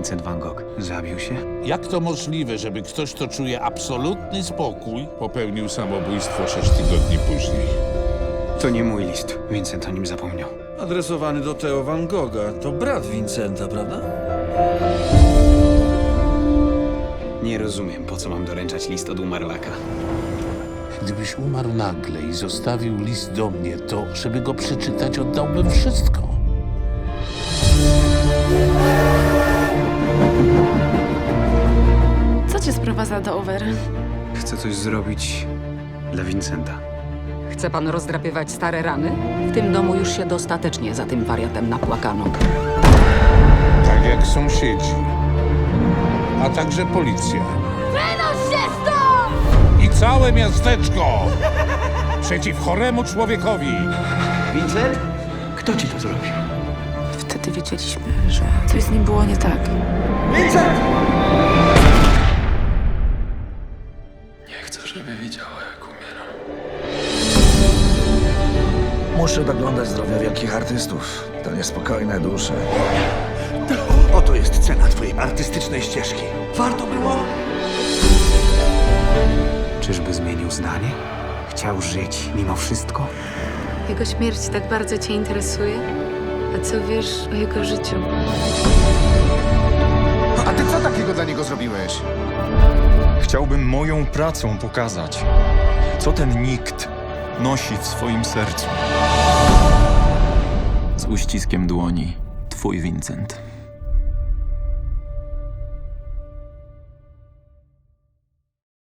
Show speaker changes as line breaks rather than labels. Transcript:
Vincent van Gogh zabił się?
Jak to możliwe, żeby ktoś, kto czuje absolutny spokój, popełnił samobójstwo 6 tygodni później?
To nie mój list. Vincent o nim zapomniał.
Adresowany do Theo van Gogha. To brat Vincenta, prawda?
Nie rozumiem, po co mam doręczać list od umarłaka.
Gdybyś umarł nagle i zostawił list do mnie, to żeby go przeczytać, oddałbym wszystko.
Co cię sprowadza do Over?
Chcę coś zrobić dla Vincenta.
Chce pan rozdrapywać stare rany? W tym domu już się dostatecznie za tym wariatem napłakano.
Tak jak sąsiedzi, a także policja.
Wynoś się stąd!
I całe miasteczko przeciw choremu człowiekowi.
Vincent? Kto ci to zrobił?
Wtedy wiedzieliśmy, że coś z nim było nie tak.
Vincent!
Nie chcę, żeby widziała, jak umieram.
Muszę doglądać zdrowia wielkich artystów. To niespokojne dusze. Oto jest cena twojej artystycznej ścieżki. Warto było?
Czyżby zmienił zdanie? Chciał żyć mimo wszystko?
Jego śmierć tak bardzo cię interesuje? A co wiesz o jego życiu?
A ty co takiego dla niego zrobiłeś?
Chciałbym moją pracą pokazać, co ten nikt nosi w swoim sercu. Z uściskiem dłoni, twój Vincent.